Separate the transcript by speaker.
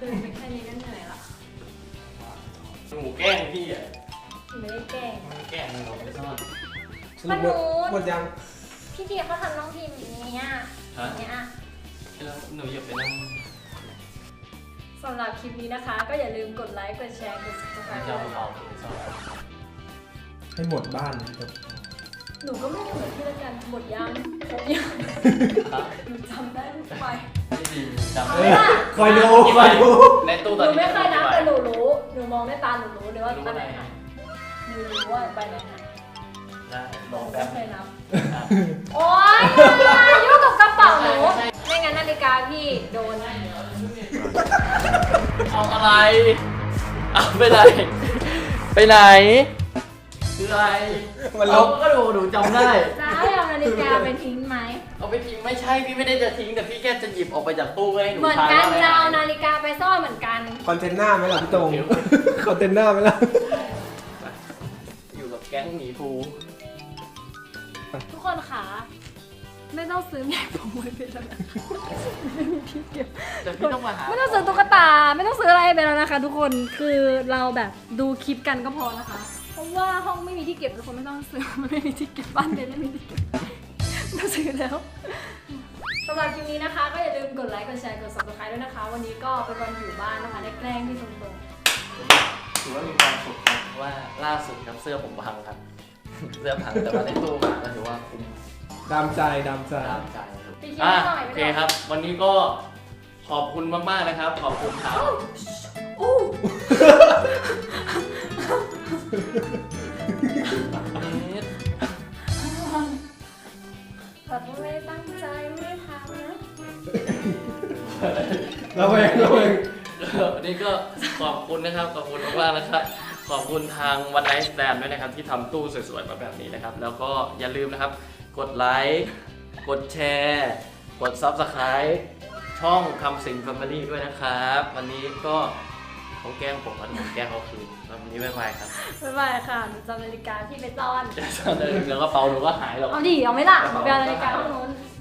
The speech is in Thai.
Speaker 1: ดินไปแค่นี้ก็เหนื่อยละ
Speaker 2: หนูแกล้งพี่อ่ะ
Speaker 1: ไม่ได้แกล้ง
Speaker 2: แกล้งหนูไปซ่อน
Speaker 1: มันหนู
Speaker 3: หมดยัง
Speaker 1: พี่ทีเขาทำน้องพิมพ์อย่างเงี้ย
Speaker 2: ฮะ
Speaker 1: เนี่ย
Speaker 2: แล้วหนูอย่าไปนั่ง
Speaker 1: สำหรับคลิปนี้นะคะ ก็อย่าลืมกดไลค์กดแชร์กด subscribe
Speaker 2: เจ้า
Speaker 1: ด้วย
Speaker 2: เอาไปซ่อน
Speaker 3: ให้หมดบ้านเลยครับ
Speaker 1: หนูก็ไม่เหมือนพี่ละกันหมดยังครบยัง
Speaker 2: ครับ
Speaker 1: หนูจำได้ทุกไป
Speaker 2: พี่ดีจำ
Speaker 1: เอา
Speaker 2: ได้
Speaker 1: ล่ะ
Speaker 3: คอยดูคอยดู
Speaker 2: ในตู้
Speaker 1: ห
Speaker 2: ตอน
Speaker 1: นู
Speaker 2: นี้
Speaker 1: ไม่เคยนับแต่หนูรู้หนูมองด้วยตาหนูรู้เลยว่า
Speaker 2: รู้
Speaker 1: อัน
Speaker 2: อะไร
Speaker 1: ไหนหายหนูรู้ว่าใบไหนหาย
Speaker 2: ได้ร
Speaker 1: หนู
Speaker 2: อ
Speaker 1: ไม่
Speaker 2: แป๊บ
Speaker 1: เคยนับ
Speaker 2: ครับ
Speaker 1: โอ๊ยยุ่งกับกระเป๋าหนูไม่งั้นนาฬิกาพี่โดน
Speaker 2: เอาอะไรเอาไปไหนไปไหนคืออะไร
Speaker 3: มันล
Speaker 2: เรา
Speaker 3: บ
Speaker 2: ก็ดูหนูจำได้
Speaker 1: จะให้เอานาฬิกาไปทิ้งไหม
Speaker 2: เอาไปทิ้งไม่ใช่พี่ไม่ได้จะทิ้งแต่พี่แค่จะหยิบออกไปจากตู้ให้หนู
Speaker 1: เหมือน
Speaker 2: ทาย
Speaker 1: กัน
Speaker 2: ว่า
Speaker 1: จะเอา
Speaker 2: อะไร
Speaker 1: นาฬิกาไปซ่อนเหมือนกัน
Speaker 3: คอนเทนเนอร์ไหมล่ะพี่ตรงคอนเทนเนอร์ไหมล่ะ
Speaker 2: อยู่กับแก๊งหมีภู
Speaker 1: ทุกคนค่ะไม่ต้องซื้อแม่ผมไว้เป็นแล้วนะไม่มีที่เก็บ
Speaker 2: แต่พี่ต้องมาหา
Speaker 1: ไม่ต้องซื้อตุ๊กตาไม่ต้องซื้ออะไรไปแล้วนะคะ ทุกคนคือเราแบบดูคลิปกันก็พอนะคะ เพราะว่าห้องไม่มีที่เก็บทุกคนไม่ต้องซื้อมันไม่มีที่เก็บบ้านเบนไม่มีที่เก็บไม่ต้องซื้อแล้วสำหรับคลิปนี้นะคะ ก็อย่าลืมกดไลค์กดแชร์กด subscribe ด้วยนะคะ วันนี้ก็เป็นวันอยู่บ้านนะคะได้แกล้งพี่ตรง
Speaker 2: ถือว่ามีความสุขครับเพราะว่าล่าสุดครับเสื้อผมพังครับ เสื้อพังแต่ว่าในตู้มาก็ถือว่าคุ้ม
Speaker 3: ดามใจดามใจ
Speaker 2: ตามใจครับ
Speaker 1: ๆพี่คิด
Speaker 2: อ่ะ
Speaker 1: ไม่หน่อย
Speaker 2: โอ
Speaker 1: ไม่
Speaker 2: เค
Speaker 1: หน่อย
Speaker 2: ครับ วันนี้ก็ขอบคุณมากๆนะครับ ขอบคุณครับ
Speaker 1: อู้ แบบว่าไม่ได้ตั้งใจไม่ได้ทำนะ
Speaker 3: ระแวงระแวง
Speaker 2: วันนี้ก็ขอบคุณนะครับขอบคุณมากๆนะครับขอบคุณทางวันไนท์แ a นด้วยนะครับที่ทำตู้สวยๆมาแบบนี้นะครับ แล้วก็อย่าลืมนะครับ กดไลค์กดแชร์กด Subscribe ช่องคำสิง Family ด้วยนะครับ วันนี้ก็เขาแกล้งผมผมแกล้งเขาคืนวันนี้บ๊ายบายครับ
Speaker 1: บ๊ายบายค่ะหนูจำนาฬิกาพี่ไปซ่อน
Speaker 2: แล้วก็เป๋าหนูก็หายหรอก
Speaker 1: เอาดิเอาไหมล่ะหนูไปเอานาฬิกาห้องนู้น